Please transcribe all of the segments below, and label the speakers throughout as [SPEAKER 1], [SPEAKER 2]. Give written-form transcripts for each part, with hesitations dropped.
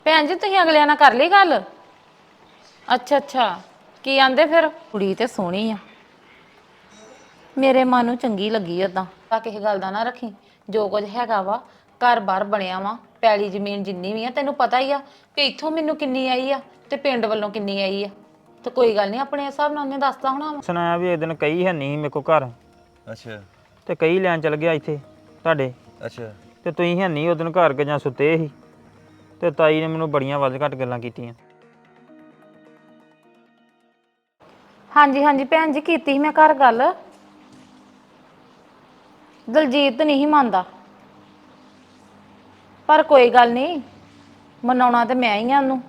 [SPEAKER 1] ਭੈਣ ਜੀ ਤੁਸੀਂ ਅਗਲਿਆਂ ਨਾਲ ਕਰ ਲਈ ਗੱਲ? ਅੱਛਾ ਅੱਛਾ, ਕੀ ਆਂਦੇ ਫਿਰ? ਕੁੜੀ ਤੇ ਸੋਹਣੀ ਆ, ਮੇਰੇ ਮਨ ਨੂੰ ਚੰਗੀ ਲੱਗੀ ਓਦਾਂ। ਤਾਂ ਕਿਸੇ ਗੱਲ ਦਾ ਨਾ ਰੱਖੀ, ਜੋ ਕੁਝ ਹੈਗਾ ਵਾ ਘਰ-ਬਾਰ ਬਣਿਆ ਵਾ, ਪੈਲੀ ਜ਼ਮੀਨ ਜਿੰਨੀ ਵੀ ਆ ਤੈਨੂੰ ਪਤਾ ਹੀ ਆ ਕਿ ਇੱਥੋਂ ਮੈਨੂੰ ਕਿੰਨੀ ਆਈ ਆ ਤੇ ਪਿੰਡ ਵੱਲੋਂ ਕਿੰਨੀ ਆਈ ਆ। ਤੇ ਕੋਈ ਗੱਲ ਨਹੀਂ, ਆਪਣੇ ਹਿਸਾਬ ਨਾਲ ਉਹਨੇ ਦੱਸਦਾ ਹੋਣਾ ਵਾ।
[SPEAKER 2] ਸੁਣਾਇਆ ਵੀ ਇੱਕ ਦਿਨ ਕਈ ਹੈ ਨਹੀਂ ਮੇਰੇ ਕੋਲ ਘਰ।
[SPEAKER 3] ਅੱਛਾ
[SPEAKER 2] ਤੇ ਕਈ ਲੈਣ ਚਲ ਗਿਆ ਇੱਥੇ ਤੁਹਾਡੇ।
[SPEAKER 3] ਅੱਛਾ
[SPEAKER 2] ਤੇ ਤੁਸੀਂ ਹੈ ਨਹੀਂ ਉਦੋਂ ਘਰ ਕੇ ਜਾਂ ਸੁੱਤੇ ਸੀ। ਤੇ ਤਾਈ ਨੇ ਮੈਨੂੰ ਬੜੀਆਂ ਵੱਧ ਘੱਟ ਗੱਲਾਂ ਕੀਤੀਆਂ।
[SPEAKER 1] ਹਾਂਜੀ ਹਾਂਜੀ ਭੈਣ ਜੀ, ਕੀਤੀ ਸੀ ਮੈਂ ਘਰ ਗੱਲ। ਦਲਜੀਤ ਨਹੀਂ ਮੰਨਦਾ, ਪਰ ਕੋਈ ਗੱਲ ਨਹੀਂ, ਮਨਾਉਣਾ ਤੇ ਮੈਂ ਹੀ ਆ ਉਹਨੂੰ।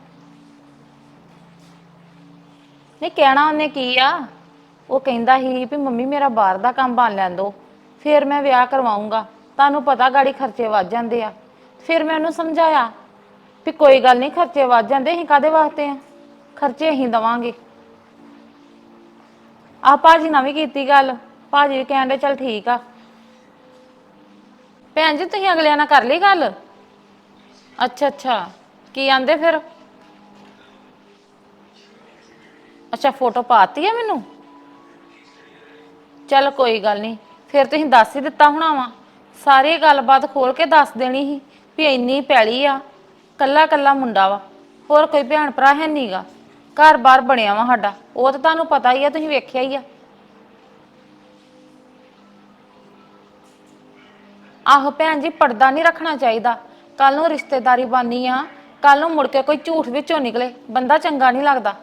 [SPEAKER 1] ਨਹੀਂ ਕਹਿਣਾ ਉਹਨੇ ਕੀ ਆ, ਉਹ ਕਹਿੰਦਾ ਸੀ ਵੀ ਮੰਮੀ ਮੇਰਾ ਬਾਹਰ ਦਾ ਕੰਮ ਬਣ ਲੈਣ ਦੋ, ਫਿਰ ਮੈਂ ਵਿਆਹ ਕਰਵਾਉਂਗਾ। ਤੁਹਾਨੂੰ ਪਤਾ ਗਾੜੀ ਖਰਚੇ ਵੱਧ ਜਾਂਦੇ ਆ। ਫਿਰ ਮੈਂ ਉਹਨੂੰ ਸਮਝਾਇਆ ਵੀ ਕੋਈ ਗੱਲ ਨਹੀਂ, ਖਰਚੇ ਵੱਧ ਜਾਂਦੇ, ਅਸੀਂ ਕਾਹਦੇ ਵਾਸਤੇ ਆ, ਖਰਚੇ ਅਸੀਂ ਦੇਵਾਂਗੇ। ਆਹ ਭਾਜੀ ਨਾਲ ਵੀ ਕੀਤੀ ਗੱਲ, ਭਾਜੀ ਵੀ ਕਹਿਣ ਦੇ ਚੱਲ ਠੀਕ ਆ। ਭੈਣ ਜੀ ਤੁਸੀਂ ਅਗਲਿਆਂ ਨਾਲ ਕਰ ਲਈ ਗੱਲ? ਅੱਛਾ ਅੱਛਾ, ਕੀ ਆਂਦੇ ਫਿਰ? ਅੱਛਾ, ਫੋਟੋ ਪਾਤੀ ਆ ਮੈਨੂੰ? ਚੱਲ ਕੋਈ ਗੱਲ ਨਹੀਂ, ਫਿਰ ਤੁਸੀਂ ਦੱਸ ਹੀ ਦਿੱਤਾ ਹੋਣਾ ਵਾ। ਸਾਰੀ ਗੱਲਬਾਤ ਖੋਲ ਕੇ ਦੱਸ ਦੇਣੀ ਸੀ ਵੀ ਇੰਨੀ ਪੈਲੀ ਆ, ਕੱਲਾ ਕੱਲਾ ਮੁੰਡਾ ਵਾ, ਹੋਰ ਕੋਈ ਭੈਣ ਭਰਾ ਹੈ ਨਹੀਂਗਾ, ਘਰ-ਬਾਰ ਬਣਿਆ ਵਾ ਸਾਡਾ। ਉਹ ਤਾਂ ਤੁਹਾਨੂੰ ਪਤਾ ਹੀ ਆ, ਤੁਸੀਂ ਵੇਖਿਆ ਹੀ ਆ। ਆਹੋ ਭੈਣ ਜੀ, ਪਰਦਾ ਨਹੀਂ ਰੱਖਣਾ ਚਾਹੀਦਾ। ਕੱਲ ਨੂੰ ਰਿਸ਼ਤੇਦਾਰੀ ਬਾਨੀ ਆ, ਕੱਲ ਨੂੰ ਮੁੜ ਕੇ ਕੋਈ ਝੂਠ ਵਿੱਚੋਂ ਨਿਕਲੇ, ਬੰਦਾ ਚੰਗਾ ਨਹੀਂ ਲੱਗਦਾ।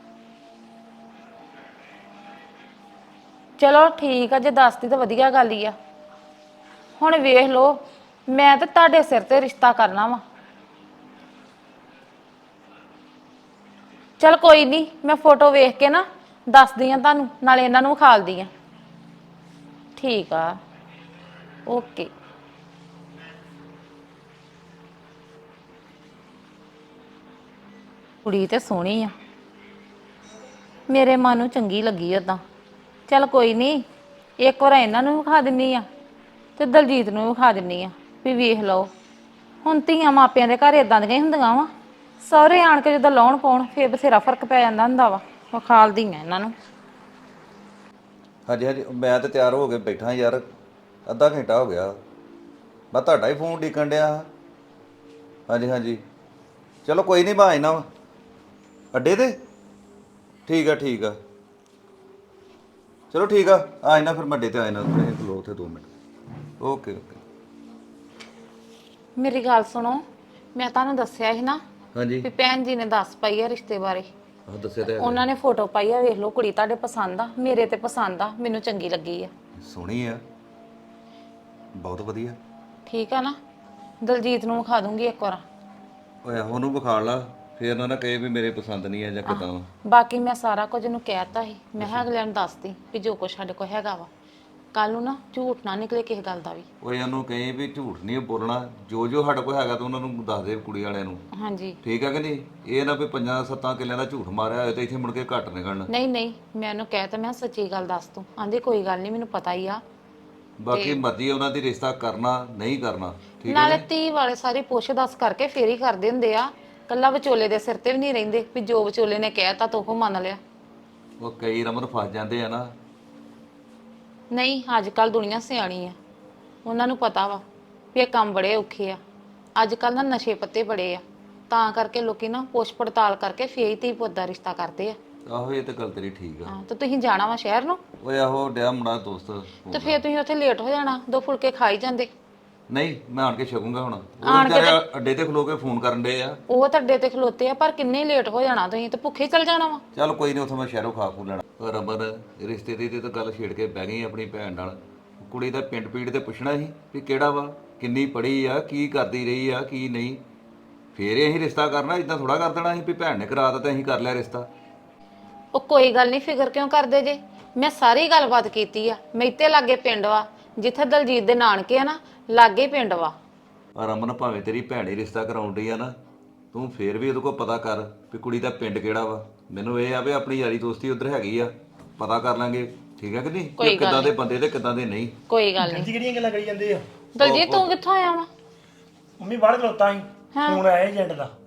[SPEAKER 1] ਚਲੋ ਠੀਕ ਆ, ਜੇ ਦੱਸਦੀ ਤਾਂ ਵਧੀਆ ਗੱਲ ਹੀ ਆ। ਹੁਣ ਵੇਖ ਲਓ, ਮੈਂ ਤਾਂ ਤੁਹਾਡੇ ਸਿਰ ਤੇ ਰਿਸ਼ਤਾ ਕਰਨਾ ਵਾ। ਚਲ ਕੋਈ ਨਹੀਂ, ਮੈਂ ਫੋਟੋ ਵੇਖ ਕੇ ਨਾ ਦੱਸਦੀ ਆ ਤੁਹਾਨੂੰ, ਨਾਲੇ ਇਹਨਾਂ ਨੂੰ ਵਿਖਾਲਦੀ ਆ। ਠੀਕ ਆ, ਓਕੇ। ਕੁੜੀ ਤੇ ਸੋਹਣੀ ਆ, ਮੇਰੇ ਮਨ ਨੂੰ ਚੰਗੀ ਲੱਗੀ ਓਦਾਂ। ਚੱਲ ਕੋਈ ਨਹੀਂ, ਇੱਕ ਵਾਰ ਇਹਨਾਂ ਨੂੰ ਵਿਖਾ ਦਿੰਨੀ ਆ ਤੇ ਦਲਜੀਤ ਨੂੰ ਵਿਖਾ ਦਿੰਨੀ ਆ ਵੀ ਵੇਖ ਲਓ। ਹੁਣ ਧੀਆਂ ਮਾਪਿਆਂ ਦੇ ਘਰ ਇਦਾਂ ਦੀਆਂ ਹੀ ਹੁੰਦੀਆਂ ਵਾ, ਸਹੁਰੇ ਆਣ ਕੇ ਜਦੋਂ ਲਾਉਣ ਪਾਉਣ ਫੇਰ ਬਥੇਰਾ ਫਰਕ ਪੈ ਜਾਂਦਾ ਹੁੰਦਾ ਵਾ। ਵਿਖਾਲਦੀ ਆ ਇਹਨਾਂ ਨੂੰ।
[SPEAKER 3] ਹਾਂਜੀ ਹਾਂਜੀ, ਮੈਂ ਤਾਂ ਤਿਆਰ ਹੋ ਕੇ ਬੈਠਾ ਯਾਰ, ਅੱਧਾ ਘੰਟਾ ਹੋ ਗਿਆ। ਮੈਂ ਤੁਹਾਡਾ ਹੀ ਫੋਨ ਡੀਕਣ ਡਿਆ ਹਾਂ। ਹਾਂਜੀ ਹਾਂਜੀ, ਚਲੋ ਕੋਈ ਨਹੀਂ, ਮੈਂ ਆਇਨਾ ਵਾ ਅੱਡੇ ਤੇ। ਠੀਕ ਆ ਠੀਕ ਆ, ਚਲੋ ਠੀਕ ਆ, ਆਇਨਾ ਫਿਰ ਮੈਂ ਅੱਡੇ ਤੇ ਆਇਨਾ, ਤੁਸੀਂ ਖਲੋ ਉੱਥੇ 2 ਮਿੰਟ। Okay okay.
[SPEAKER 1] ਮੇਰੀ ਗੱਲ ਸੁਣੋ, ਮੈਂ ਤੁਹਾਨੂੰ ਦੱਸਿਆ ਸੀ ਨਾ
[SPEAKER 3] ਹਾਂਜੀ
[SPEAKER 1] ਵੀ ਭੈਣ ਜੀ ਨੇ ਦੱਸ ਪਾਈ ਆ ਰਿਸ਼ਤੇ ਬਾਰੇ।
[SPEAKER 3] ਆਹ ਦੱਸਿਆ ਤਾਂ ਹੈਗਾ।
[SPEAKER 1] ਉਹਨਾਂ ਨੇ ਫੋਟੋ ਪਾਈ ਆ, ਵੇਖ ਲਓ। ਕੁੜੀ ਤੁਹਾਡੇ ਪਸੰਦ ਆ, ਮੇਰੇ ਤੇ ਪਸੰਦ ਆ, ਮੈਨੂੰ ਚੰਗੀ ਲੱਗੀ ਆ।
[SPEAKER 3] ਸੋਹਣੀ ਆ, ਬਹੁਤ ਵਧੀਆ।
[SPEAKER 1] ਠੀਕ ਆ ਨਾ, ਦਲਜੀਤ ਨੂੰ ਵਿਖਾ ਦੂੰਗੀ ਇੱਕ ਵਾਰ।
[SPEAKER 3] ਓਏ ਉਹਨੂੰ ਵਿਖਾ ਲਾ, ਫਿਰ ਨਾ ਕਹੇ ਵੀ ਮੇਰੇ ਪਸੰਦ ਨਹੀਂ ਆ ਜਾਂ ਕਿੱਦਾਂ ਵਾ।
[SPEAKER 1] ਬਾਕੀ ਮੈਂ ਸਾਰਾ ਕੁਝ ਇਹਨੂੰ ਕਹਿਤਾ ਸੀ, ਮੈਂ ਕਿਹਾ ਅਗਲਿਆਂ ਨੂੰ ਦੱਸਦੀ ਵੀ ਜੋ ਕੁਛ ਸਾਡੇ ਕੋਲ ਹੈਗਾ ਵਾ, ਕੱਲ ਨੂੰ ਨਾ ਝੂਠ ਨਾ ਨਿਕਲੇ ਕਿਸੇ ਗੱਲ ਦਾ ਵੀ।
[SPEAKER 3] ਓਏ ਉਹਨੂੰ ਕਹੇ ਵੀ ਝੂਠ ਨਹੀਂ ਬੋਲਣਾ, ਜੋ ਜੋ ਸਾਡੇ ਕੋਲ ਹੈਗਾ ਤਾਂ ਉਹਨਾਂ ਨੂੰ ਦੱਸ ਦੇ ਕੁੜੀ ਵਾਲਿਆਂ ਨੂੰ।
[SPEAKER 1] ਹਾਂਜੀ,
[SPEAKER 3] ਠੀਕ ਆ ਕਿ ਨਹੀਂ? ਇਹ ਨਾ ਵੀ 5-7 ਕਿੱਲਿਆਂ ਦਾ ਝੂਠ ਮਾਰਿਆ ਹੋਏ ਤੇ ਇੱਥੇ ਮੁੜ ਕੇ ਘੱਟ ਨਿਕਲਣ।
[SPEAKER 1] ਨਹੀਂ ਨਹੀਂ, ਮੈਂ ਉਹਨੂੰ ਕਹਿਤਾ, ਮੈਂ ਸੱਚੀ ਗੱਲ ਦੱਸ ਤੂੰ। ਆਂਦੀ ਕੋਈ ਗੱਲ ਨਹੀਂ, ਮੈਨੂੰ ਪਤਾ ਹੀ ਆ।
[SPEAKER 3] ਬਾਕੀ ਮਰਜ਼ੀ ਉਹਨਾਂ ਦੀ, ਰਿਸ਼ਤਾ ਕਰਨਾ ਨਹੀਂ ਕਰਨਾ। ਠੀਕ ਹੈ
[SPEAKER 1] ਨਾਲੇ
[SPEAKER 3] ਜੀ।
[SPEAKER 1] ਧੀ ਵਾਲੇ ਸਾਰੀ ਪੁੱਛ ਦੱਸ ਕਰਕੇ ਫੇਰ ਹੀ ਕਰਦੇ ਹੁੰਦੇ ਆ, ਕੱਲਾ ਵਿਚੋਲੇ ਦੇ ਸਿਰ ਤੇ ਵੀ ਨਹੀਂ ਰਹਿੰਦੇ ਵੀ ਜੋ ਵਿਚੋਲੇ ਨੇ ਕਹਿਤਾ ਤਾਂ ਉਹ ਮੰਨ ਲਿਆ।
[SPEAKER 3] ਉਹ ਕਈ ਰਮਨ ਫਸ ਜਾਂਦੇ ਆ ਨਾ।
[SPEAKER 1] ਨਹੀਂ, ਅੱਜ ਕੱਲ ਦੁਨੀਆ ਸਿਆਣੀ ਆ, ਉਹਨਾਂ ਨੂੰ ਪਤਾ ਵਾ ਵੀ ਇਹ ਕੰਮ ਬੜੇ ਔਖੇ ਆ। ਅੱਜ ਕੱਲ ਨਾ ਨਸ਼ੇ ਪੱਤੇ ਬੜੇ ਆ, ਤਾਂ ਕਰਕੇ ਲੋਕੀ ਨਾ ਪੁੱਛ ਪੜਤਾਲ ਕਰਕੇ ਫੇਰ ਹੀ ਧੀ ਪੁੱਤ ਦਾ ਰਿਸ਼ਤਾ ਕਰਦੇ ਆ।
[SPEAKER 3] ਆਹੋ ਇਹ ਤਾਂ ਗੱਲ ਤੇਰੀ ਠੀਕ ਆ।
[SPEAKER 1] ਹਾਂ, ਤੇ ਤੁਸੀਂ ਜਾਣਾ ਵਾ ਸ਼ਹਿਰ ਨੂੰ?
[SPEAKER 3] ਓਏ ਆਹੋ ਡਿਆ ਮੁੰਡਾ ਦੋਸਤ
[SPEAKER 1] ਤੇ ਫੇਰ ਤੁਸੀਂ ਉੱਥੇ ਲੇਟ ਹੋ ਜਾਣਾ, 2 ਫੁਲਕੇ ਖਾਈ ਜਾਂਦੇ।
[SPEAKER 3] ਨਹੀਂ, ਮੈਂ ਆਣ ਕੇ ਛਕੂੰਗਾ ਹੁਣ। ਉਹ ਵਿਚਾਰੇ ਅੱਡੇ ਤੇ ਖਲੋ ਕੇ ਫੋਨ ਕਰਨ ਡੇ ਆ।
[SPEAKER 1] ਉਹ ਤਾਂ ਅੱਡੇ ਤੇ ਖਲੋਤੇ ਆ, ਪਰ ਕਿੰਨੇ ਲੇਟ ਹੋ ਜਾਣਾ ਤੁਸੀਂ, ਤੇ ਭੁੱਖੇ ਚੱਲ ਜਾਣਾ ਵਾ।
[SPEAKER 3] ਚੱਲ ਕੋਈ ਨਹੀਂ, ਉੱਥੋਂ ਮੈਂ ਸ਼ਹਿਰੋਂ ਖਾ ਖੂ ਲੈਣਾ। ਪਰ ਰਮਨ ਰਿਸ਼ਤੇ ਦੀ ਤੇ ਤਾਂ ਗੱਲ ਛੇੜ ਕੇ ਬਹਿ ਗਈ ਆਪਣੀ ਭੈਣ ਨਾਲ। ਕੁੜੀ ਦਾ ਪਿੰਡ ਪੀੜ ਤੇ ਪੁੱਛਣਾ ਸੀ ਵੀ ਕਿਹੜਾ ਵਾ, ਕਿੰਨੀ ਪੜ੍ਹੀ ਆ, ਕੀ ਕਰਦੀ ਰਹੀ ਆ, ਕੀ ਨਹੀਂ। ਫੇਰ ਅਸੀਂ ਰਿਸ਼ਤਾ ਕਰਨਾ, ਇਦਾਂ ਥੋੜਾ ਕਰ ਦੇਣਾ ਸੀ ਵੀ ਭੈਣ ਨੇ ਕਰਾ ਦਿੱਤਾ ਤੇ ਅਸੀਂ ਕਰ ਲਿਆ ਰਿਸ਼ਤਾ।
[SPEAKER 1] ਉਹ ਕੋਈ ਗੱਲ ਨਹੀਂ, ਫਿਕਰ ਕਿਉਂ ਕਰਦੇ ਜੇ, ਮੈਂ ਸਾਰੀ ਗੱਲਬਾਤ ਕੀਤੀ ਆ। ਮੈਤੇ ਲਾਗੇ ਪਿੰਡ ਵਾ, ਜਿੱਥੇ ਦਲਜੀਤ ਦੇ ਨਾਨਕੇ ਆ ਨਾ, ਲਾਗੇ ਪਿੰਡ ਵਾ।
[SPEAKER 3] ਪਰ ਰਮਨ ਭਾਵੇਂ ਤੇਰੀ ਭੈਣ ਹੀ ਰਿਸ਼ਤਾ ਕਰਾਉਣ ਡਈ ਆ ਨਾ, ਤੂੰ ਫੇਰ ਵੀ ਉਹਦੇ ਕੋਲ ਪਤਾ ਕਰ ਵੀ ਕੁੜੀ ਦਾ ਪਿੰਡ ਕਿਹੜਾ ਵਾ। ਮੈਨੂੰ ਇਹ ਆ ਵੀ ਆਪਣੀ ਯਾਰੀ ਦੋਸਤੀ ਉੱਧਰ ਹੈਗੀ ਆ, ਪਤਾ ਕਰ ਲਾਂਗੇ। ਠੀਕ ਹੈ ਕਿ ਨਹੀਂ? ਕਿ ਕਿੱਦਾਂ ਦੇ ਬੰਦੇ ਤੇ ਕਿੱਦਾਂ ਦੇ ਨਹੀਂ।
[SPEAKER 1] ਕੋਈ ਗੱਲ ਨਹੀਂ।
[SPEAKER 4] ਕਿਹੜੀਆਂ ਗੱਲਾਂ ਕਰੀ ਜਾਂਦੇ ਆ?
[SPEAKER 1] ਦਲਜੀਤ ਤੂੰ ਕਿੱਥੋਂ ਆਇਆ ਵਾ?
[SPEAKER 4] ਮੰਮੀ ਬਾਹਰ ਖਲੋਤਾ ਸੀ, ਫੋਨ ਆਇਆ ਏਜੰਟ ਦਾ।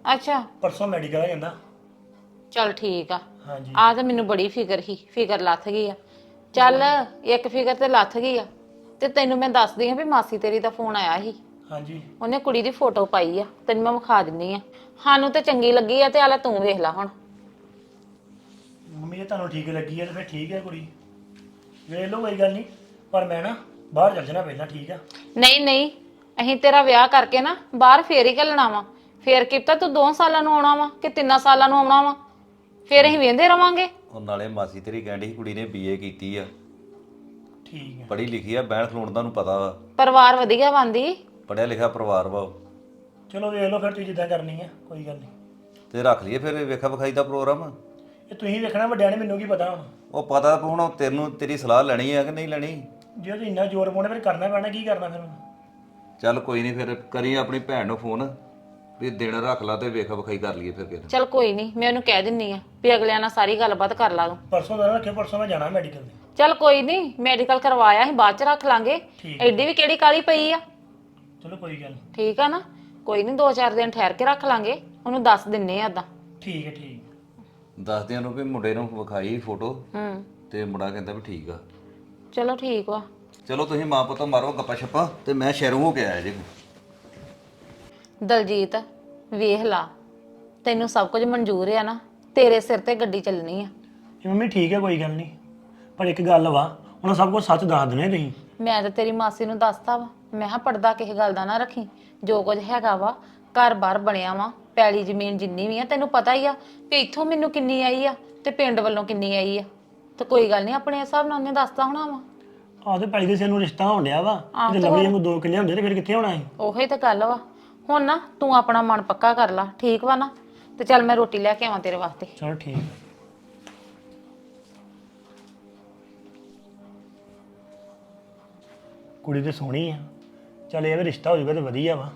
[SPEAKER 1] ਅੱਛਾ
[SPEAKER 4] ਪਰਸੋਂ ਮੈਡੀਕਲ ਆ ਜਾਂਦਾ।
[SPEAKER 1] ਚੱਲ ਠੀਕ ਆ।
[SPEAKER 4] ਹਾਂਜੀ
[SPEAKER 1] ਆ ਤਾਂ ਮੈਨੂੰ ਬੜੀ ਫਿਕਰ ਸੀ, ਫਿਕਰ ਲੱਥ ਗਈ ਆ। ਚੱਲ ਇੱਕ ਫਿਕਰ ਤੇ ਲੱਥ ਗਈ ਆ। ਤੇ ਤੈਨੂੰ ਮੈਂ ਦੱਸਦੀ ਆ ਵੀ ਮਾਸੀ ਤੇਰੀ ਦਾ ਫੋਨ ਆਇਆ ਸੀ।
[SPEAKER 4] ਹਾਂਜੀ
[SPEAKER 1] ਉਹਨੇ ਕੁੜੀ ਦੀ ਫੋਟੋ ਪਾਈ ਆ, ਤੈਨੂੰ ਮੈਂ ਵਿਖਾ ਦਿੰਨੀ ਆ। ਸਾਨੂੰ ਤੇ ਚੰਗੀ ਲੱਗੀ ਆ ਤੇ ਆਲਾ ਤੂੰ ਵੇਖ ਲੈ ਹੁਣ।
[SPEAKER 4] ਮੰਮੀ ਜੇ ਤੁਹਾਨੂੰ ਠੀਕ ਲੱਗੀ ਹੈ ਤਾਂ ਫਿਰ ਠੀਕ ਹੈ ਕੁੜੀ, ਵੇਖ ਲਓ ਕੋਈ ਗੱਲ ਨਹੀਂ, ਪਰ ਮੈਂ ਨਾ ਬਾਹਰ ਚੱਲ ਜਾਣਾ ਪਹਿਲਾਂ, ਠੀਕ ਆ।
[SPEAKER 1] ਨਹੀਂ ਨਹੀਂ, ਅਸੀਂ ਤੇਰਾ ਵਿਆਹ ਕਰਕੇ ਨਾ ਬਾਹਰ ਫੇਰ ਹੀ ਘੱਲਣਾ ਵਾ। ਫੇਰ ਕੀਤਾ ਤੂੰ 2 ਸਾਲਾਂ ਨੂੰ ਆਉਣਾ ਵਾ ਕਿ 3 ਸਾਲਾਂ ਨੂੰ ਆਉਣਾ ਵਾ, ਫੇਰ ਅਸੀਂ ਵੇਂਦੇ ਰਵਾਂਗੇ।
[SPEAKER 3] ਉਹ ਨਾਲੇ ਮਾਸੀ ਤੇਰੀ ਕਹਿੰਦੀ ਕੁੜੀ ਨੇ ਬੀਏ ਕੀਤੀ ਆ,
[SPEAKER 4] ਠੀਕ ਹੈ
[SPEAKER 3] ਪੜ੍ਹੀ ਲਿਖੀ ਆ, ਬਹਿਣ ਖਲੋਣ ਦਾ ਨੂੰ ਪਤਾ ਵਾ,
[SPEAKER 1] ਪਰਿਵਾਰ ਵਧੀਆ ਬਣਦੀ।
[SPEAKER 3] ਪੜ੍ਹਿਆ ਲਿਖਿਆ ਪਰਿਵਾਰ ਵਾ ਉਹ।
[SPEAKER 4] ਚਲੋ ਵੇਖ ਲਓ ਫਿਰ ਤੁਸੀਂ ਜਿੱਦਾਂ ਕਰਨੀ ਹੈ, ਕੋਈ ਗੱਲ ਨਹੀਂ।
[SPEAKER 3] ਤੇ ਰੱਖ ਲਈਏ ਫਿਰ ਵੇਖਾ ਵਿਖਾਈ ਦਾ ਪ੍ਰੋਗਰਾਮ।
[SPEAKER 4] ਇਹ ਤੁਸੀਂ ਵੇਖਣਾ, ਵੱਡਿਆਂ ਨੇ, ਮੈਨੂੰ ਕੀ ਪਤਾ ਹੁਣ।
[SPEAKER 3] ਉਹ ਪਤਾ ਹੁਣ ਤੈਨੂੰ ਤੇਰੀ ਸਲਾਹ ਲੈਣੀ ਆ ਕਿ ਨਹੀਂ ਲੈਣੀ।
[SPEAKER 4] ਜੇ ਤੁਸੀਂ ਇੰਨਾ ਜ਼ੋਰ ਪਾਉਣਾ ਫਿਰ ਕਰਨਾ ਪੈਣਾ, ਕੀ ਕਰਨਾ ਫਿਰ ਹੁਣ।
[SPEAKER 3] ਚੱਲ ਕੋਈ ਨਹੀਂ, ਫਿਰ ਕਰੀ ਆਪਣੀ ਭੈਣ ਨੂੰ ਫੋਨ ਵੀ ਦਿਨ ਰੱਖ ਲਾ ਤੇ ਵੇਖਾ ਵਿਖਾਈ ਕਰ ਲਈਏ ਫਿਰ ਕਿਤੇ।
[SPEAKER 1] ਚੱਲ ਕੋਈ ਨਹੀਂ, ਮੈਂ ਉਹਨੂੰ ਕਹਿ ਦਿੰਨੀ ਆ ਵੀ ਅਗਲਿਆਂ ਨਾਲ ਸਾਰੀ ਗੱਲਬਾਤ ਕਰ ਲਾ ਤੂੰ।
[SPEAKER 4] ਪਰਸੋਂ ਦਾ ਰੱਖਿਓ, ਪਰਸੋਂ ਮੈਂ ਜਾਣਾ ਮੈਡੀਕਲ ਤੇ।
[SPEAKER 1] ਚੱਲ ਕੋਈ ਨਹੀਂ, ਮੈਡੀਕਲ ਕਰਵਾਇਆ ਅਸੀਂ ਬਾਅਦ ਚ ਰੱਖ ਲਾਂਗੇ।
[SPEAKER 4] ਠੀਕ
[SPEAKER 1] ਐਡੀ ਵੀ ਕਿਹੜੀ ਕਾਲੀ ਪਈ ਆ।
[SPEAKER 4] ਚਲੋ ਕੋਈ ਗੱਲ ਨਹੀਂ।
[SPEAKER 1] ਠੀਕ ਆ ਨਾ, ਕੋਈ ਨਹੀਂ 2-4 ਦਿਨ ਠਹਿਰ ਕੇ ਰੱਖ ਲਾਂਗੇ, ਉਹਨੂੰ ਦੱਸ ਦਿੰਨੇ ਆ ਏਦਾਂ।
[SPEAKER 4] ਠੀਕ ਹੈ ਠੀਕ।
[SPEAKER 3] ਦੱਸਦਿਆਂ ਨੂੰ ਵੀ ਮੁੰਡੇ ਨੂੰ ਵਿਖਾਈ ਫੋਟੋ
[SPEAKER 1] ਹੂੰ
[SPEAKER 3] ਤੇ ਮੁੰਡਾ ਕਹਿੰਦਾ ਵੀ ਠੀਕ ਆ।
[SPEAKER 1] ਚਲੋ ਠੀਕ ਵਾ।
[SPEAKER 3] ਚਲੋ ਤੁਸੀਂ ਮਾਂ ਪੁੱਤ ਮਾਰੋ ਗੱਪਾ ਛੱਪਾ ਤੇ ਮੈਂ ਸ਼ਹਿਰੋਂ ਹੋ ਕੇ ਆਇਆ ਜੀ।
[SPEAKER 1] ਦਲਜੀਤ ਵੇਖ ਲਾ, ਤੈਨੂੰ ਸਭ ਕੁਝ ਮਨਜ਼ੂਰ ਆ ਨਾ, ਤੇਰੇ ਸਿਰ ਤੇ ਗੱਡੀ ਚੱਲਣੀ ਆ।
[SPEAKER 4] ਇਹ ਮੰਮੀ ਠੀਕ ਹੈ, ਕੋਈ ਗੱਲ ਨਹੀਂ, ਪਰ ਇੱਕ ਗੱਲ ਵਾ, ਉਹਨਾਂ ਸਭ ਕੁਝ ਸੱਚ ਦੱਸ ਦੇਣਾ ਤੁਸੀਂ।
[SPEAKER 1] ਮੈਂ ਤਾਂ ਤੇਰੀ ਮਾਸੀ ਨੂੰ ਦੱਸਤਾ ਵਾ, ਮੈਂ ਕਿਹਾ ਪਰਦਾ ਕਿਸੇ ਗੱਲ ਦਾ ਨਾ ਰੱਖੀ। ਜੋ ਕੁਝ ਹੈਗਾ ਵਾ ਘਰ-ਬਾਰ ਬਣਿਆ ਵਾ, ਪੈਲੀ ਜ਼ਮੀਨ ਜਿੰਨੀ ਵੀ ਆ ਤੈਨੂੰ ਪਤਾ ਹੀ ਆ ਵੀ ਇੱਥੋਂ ਮੈਨੂੰ ਕਿੰਨੀ ਆਈ ਆ ਤੇ ਪਿੰਡ ਵੱਲੋਂ ਕਿੰਨੀ ਆਈ ਆ। ਤੇ ਕੋਈ ਗੱਲ ਨਹੀਂ, ਆਪਣੇ ਹਿਸਾਬ ਨਾਲ ਉਹਨੇ ਦੱਸਦਾ ਹੋਣਾ ਵਾ।
[SPEAKER 4] ਆਹ ਤੇ ਪੈਲੀ ਦੇ ਸਿਰ ਨੂੰ ਰਿਸ਼ਤਾ ਹੋਣ ਡਿਆ ਵਾ, ਜੇ ਲਵਲੀ ਨੂੰ 2 ਕਿੱਲੇ ਹੁੰਦੇ ਤੇ ਫਿਰ ਕਿੱਥੇ ਹੋਣਾ ਸੀ।
[SPEAKER 1] ਉਹੀ ਤਾਂ ਗੱਲ ਵਾ। ਹੁਣ ਨਾ ਤੂੰ ਆਪਣਾ ਮਨ ਪੱਕਾ ਕਰ ਲਾ, ਠੀਕ ਵਾ ਨਾ। ਤੇ ਚੱਲ ਮੈਂ ਰੋਟੀ ਲੈ ਕੇ ਆਵਾਂ ਤੇਰੇ ਵਾਸਤੇ।
[SPEAKER 4] ਚਲੋ ਠੀਕ। ਕੁੜੀ ਤੇ ਸੋਹਣੀ ਆ, ਚੱਲ ਇਹ ਵੀ ਰਿਸ਼ਤਾ ਹੋ ਜਾਊਗਾ ਤੇ ਵਧੀਆ ਵਾ।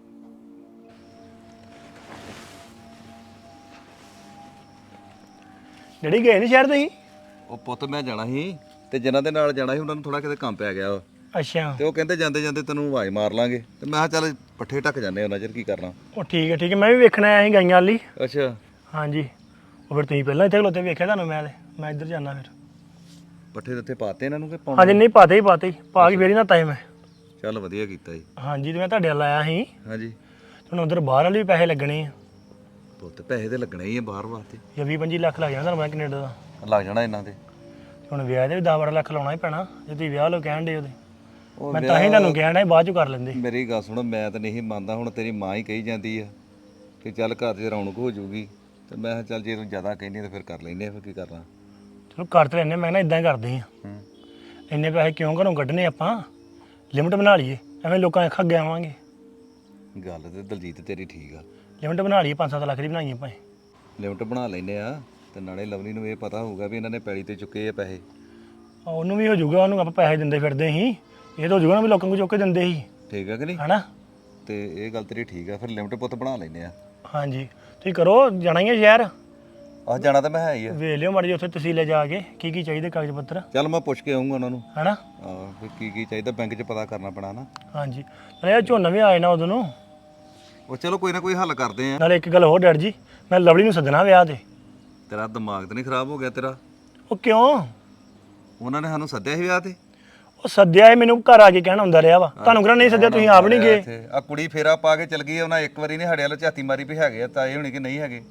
[SPEAKER 4] ਡੈਡੀ ਗਏ ਨੀ ਸ਼ਹਿਰ ਤੁਸੀਂ?
[SPEAKER 3] ਉਹ ਪੁੱਤ ਮੈਂ ਜਾਣਾ ਸੀ ਤੇ ਜਿਨ੍ਹਾਂ ਦੇ ਨਾਲ ਜਾਣਾ ਸੀ ਉਹਨਾਂ ਨੂੰ ਥੋੜਾ ਕਿਤੇ ਕੰਮ ਪੈ ਗਿਆ ਵਾ,
[SPEAKER 4] ਅੱਛਾ,
[SPEAKER 3] ਤੇ ਉਹ ਕਹਿੰਦੇ ਜਾਂਦੇ ਜਾਂਦੇ ਤੈਨੂੰ ਆਵਾਜ਼ ਮਾਰ ਲਾਂਗੇ, ਤੇ ਮੈਂ ਕਿਹਾ ਚੱਲ ਪੱਠੇ ਢੱਕ ਜਾਂਦੇ ਉਹਨਾਂ ਚਿਰ ਕੀ ਕਰਨਾ।
[SPEAKER 4] ਉਹ ਠੀਕ ਹੈ ਠੀਕ ਹੈ, ਮੈਂ ਵੀ ਵੇਖਣਾ ਆਇਆ ਸੀ ਗਾਈਆਂ ਵਾਲੀ।
[SPEAKER 3] ਅੱਛਾ,
[SPEAKER 4] ਹਾਂਜੀ, ਉਹ ਫਿਰ ਤੁਸੀਂ ਪਹਿਲਾਂ ਇੱਥੇ ਖਲੋਤੇ ਵੇਖਿਆ ਤੁਹਾਨੂੰ, ਮੈਂ ਇੱਧਰ ਜਾਣਾ ਫਿਰ।
[SPEAKER 3] ਪੱਠੇ ਦਿੱਤੇ ਪਾਤੇ ਇਹਨਾਂ ਨੂੰ ਕਿ ਪਾਉਣੇ?
[SPEAKER 4] ਹਾਂਜੀ, ਨਹੀਂ ਪਾਤੇ ਹੀ ਪਾ ਕੇ ਫੇਰ ਹੀ ਨਾ ਤਾਏ ਮੈਂ।
[SPEAKER 3] ਚੱਲ ਵਧੀਆ ਕੀਤਾ ਜੀ।
[SPEAKER 4] ਹਾਂਜੀ, ਤੇ ਮੈਂ ਤੁਹਾਡੇ ਵੱਲ ਆਇਆ ਸੀ,
[SPEAKER 3] ਹਾਂਜੀ
[SPEAKER 4] ਹੁਣ ਉਧਰ ਬਾਹਰ ਵਾਲੇ ਵੀ ਪੈਸੇ ਲੱਗਣੇ ਆ।
[SPEAKER 3] ਪੁੱਤ ਪੈਸੇ ਤੇ ਲੱਗਣੇ ਹੀ ਆ ਬਾਹਰ ਵਾਸਤੇ,
[SPEAKER 4] ਜਾਂ 20-25 ਲੱਖ ਲੱਗ ਜਾਣਾ ਤੁਹਾਨੂੰ ਮੈਂ ਕੈਨੇਡਾ ਦਾ।
[SPEAKER 3] ਲੱਗ ਜਾਣਾ ਇਹਨਾਂ ਤੇ।
[SPEAKER 4] ਹੁਣ ਵਿਆਹ ਦੇ ਵੀ 10-12 ਲੱਖ ਲਾਉਣਾ ਹੀ ਪੈਣਾ, ਜੇ ਤੁਸੀਂ ਵਿਆਹ ਲੋ ਕਹਿਣ ਦੇ ਉਹਦੇ।
[SPEAKER 3] ਉਹ
[SPEAKER 4] ਮੈਂ ਤਾਂ ਹੀ ਤੁਹਾਨੂੰ ਕਹਿਣ ਡਿਆ ਬਾਅਦ ਚ ਕਰ ਲੈਂਦੇ।
[SPEAKER 3] ਮੇਰੀ ਗੱਲ ਸੁਣ, ਮੈਂ ਤਾਂ ਨਹੀਂ ਮੰਨਦਾ, ਹੁਣ ਤੇਰੀ ਮਾਂ ਹੀ ਕਹੀ ਜਾਂਦੀ ਆ ਕਿ ਚੱਲ ਘਰ 'ਚ ਰੌਣਕ ਹੋ ਜਾਊਗੀ, ਤੇ ਮੈਂ ਕਿਹਾ ਚੱਲ ਜੇ ਤੂੰ ਜ਼ਿਆਦਾ ਕਹਿੰਦੀ ਤਾਂ ਫਿਰ ਕਰ ਲੈਂਦੇ ਆ, ਫਿਰ ਕੀ ਕਰਨਾ।
[SPEAKER 4] ਚਲੋ ਕਰ ਤੇ ਲੈਨੇ, ਮੈਂ ਨਾ ਇਦਾਂ ਹੀ ਕਰਦੇ ਆ। ਇੰਨੇ ਪੈਸੇ ਕਿਉਂ ਘਰੋਂ ਕੱਢਨੇ ਆਪਾਂ, ਲਿਮਟ ਬਣਾ ਲਈਏ, ਐਵੇਂ ਲੋਕਾਂ ਅੱਖਾਂ ਅੱਗੇ ਆਵਾਂਗੇ।
[SPEAKER 3] ਗੱਲ ਤੇ ਦਲਜੀਤ ਤੇਰੀ ਠੀਕ ਆ,
[SPEAKER 4] ਲਿਮਟ ਬਣਾ ਲਈਏ, 5-7 ਲੱਖ ਦੀ ਬਣਾਈਏ ਭਾਵੇਂ।
[SPEAKER 3] ਲਿਮਟ ਬਣਾ ਲੈਨੇ ਆ, ਤੇ ਨਾਲੇ ਲਵਲੀ ਨੂੰ ਇਹ ਪਤਾ ਹੋਊਗਾ ਵੀ ਇਹਨਾਂ ਨੇ ਪੈਲੀ ਤੇ ਚੁੱਕੇ ਆ ਪੈਸੇ।
[SPEAKER 4] ਉਹਨੂੰ ਵੀ ਹੋ ਜਾਊਗਾ, ਉਹਨੂੰ ਆਪਾਂ ਪੈਸੇ ਦਿੰਦੇ ਫਿਰਦੇ ਸੀ, ਇਹ ਤਾਂ ਹੋ ਜਾਊਗਾ ਨਾ ਵੀ ਲੋਕਾਂ ਨੂੰ ਚੁੱਕ ਕੇ ਦਿੰਦੇ ਸੀ,
[SPEAKER 3] ਠੀਕ ਆ ਕਿ ਨਹੀਂ?
[SPEAKER 4] ਹਨਾ।
[SPEAKER 3] ਤੇ ਇਹ ਗੱਲ ਤੇਰੀ ਠੀਕ ਆ, ਫਿਰ ਲਿਮਟ ਪੁੱਤ ਬਣਾ ਲੈਨੇ ਆ।
[SPEAKER 4] ਹਾਂਜੀ, ਤੁਸੀਂ ਕਰੋ, ਜਾਣਾ ਹੀ ਹੈ ਸ਼ਹਿਰ,
[SPEAKER 3] ਆਹ ਜਾਣਾ ਤਾਂ ਮੈਂ ਹੈ ਹੀ ਆ।
[SPEAKER 4] ਵੇਖ ਲਿਓ ਮਾੜੀ ਜਿਹੀ ਉੱਥੇ ਤਹਿਸੀਲੇ ਜਾ ਕੇ ਕੀ ਕੀ ਚਾਹੀਦੇ ਕਾਗਜ਼ ਪੱਤਰ,
[SPEAKER 3] ਚੱਲ ਮੈਂ ਪੁੱਛ ਕੇ ਆਉਂਗਾ ਉਹਨਾਂ ਨੂੰ,
[SPEAKER 4] ਹਨਾ।
[SPEAKER 3] ਆਹ ਫਿਰ ਕੀ ਕੀ ਚਾਹੀਦਾ ਬੈਂਕ 'ਚ ਪਤਾ ਕਰਨਾ ਪੈਣਾ ਨਾ।
[SPEAKER 4] ਹਾਂਜੀ, ਨਾਲੇ ਇਹ ਝੋਨਾ ਵੀ ਆਏ ਨਾ ਉਦੋਂ ਨੂੰ।
[SPEAKER 3] ਉਹ ਚਲੋ ਕੋਈ ਨਾ ਕੋਈ ਹੱਲ ਕਰਦੇ ਆ।
[SPEAKER 4] ਨਾਲੇ ਇੱਕ ਗੱਲ ਹੋਰ ਡੈਡ ਜੀ, ਮੈਂ ਲਵਲੀ ਨੂੰ ਸੱਦਣਾ ਵਿਆਹ ਤੇ।
[SPEAKER 3] ਤੇਰਾ ਦਿਮਾਗ ਤਾਂ ਨਹੀਂ ਖਰਾਬ ਹੋ ਗਿਆ ਤੇਰਾ?
[SPEAKER 4] ਉਹ ਕਿਉਂ?
[SPEAKER 3] ਉਹਨਾਂ ਨੇ ਸਾਨੂੰ ਸੱਦਿਆ ਸੀ ਵਿਆਹ ਤੇ।
[SPEAKER 4] ਉਹ ਸੱਦਿਆ ਇਹ ਮੈਨੂੰ ਘਰ ਆ ਕੇ ਕਹਿਣ ਹੁੰਦਾ ਰਿਹਾ ਵਾ, ਤੁਹਾਨੂੰ ਕਿਹੜਾ ਨਹੀਂ ਸੱਦਿਆ, ਤੁਸੀਂ ਆਪ ਨਹੀਂ ਗਏ।
[SPEAKER 3] ਆ ਕੁੜੀ ਫੇਰਾ ਪਾ ਕੇ ਚਲ ਗਈ, ਉਹਨਾਂ ਇੱਕ ਵਾਰੀ ਨਹੀਂ ਸਾਡੇ ਵੱਲ ਝਾਤੀ ਮਾਰੀ ਵੀ ਹੈਗੇ ਆ ਤਾਂ ਇਹ ਹੋਣੀ ਕਿ ਨਹੀਂ ਹੈਗੇ।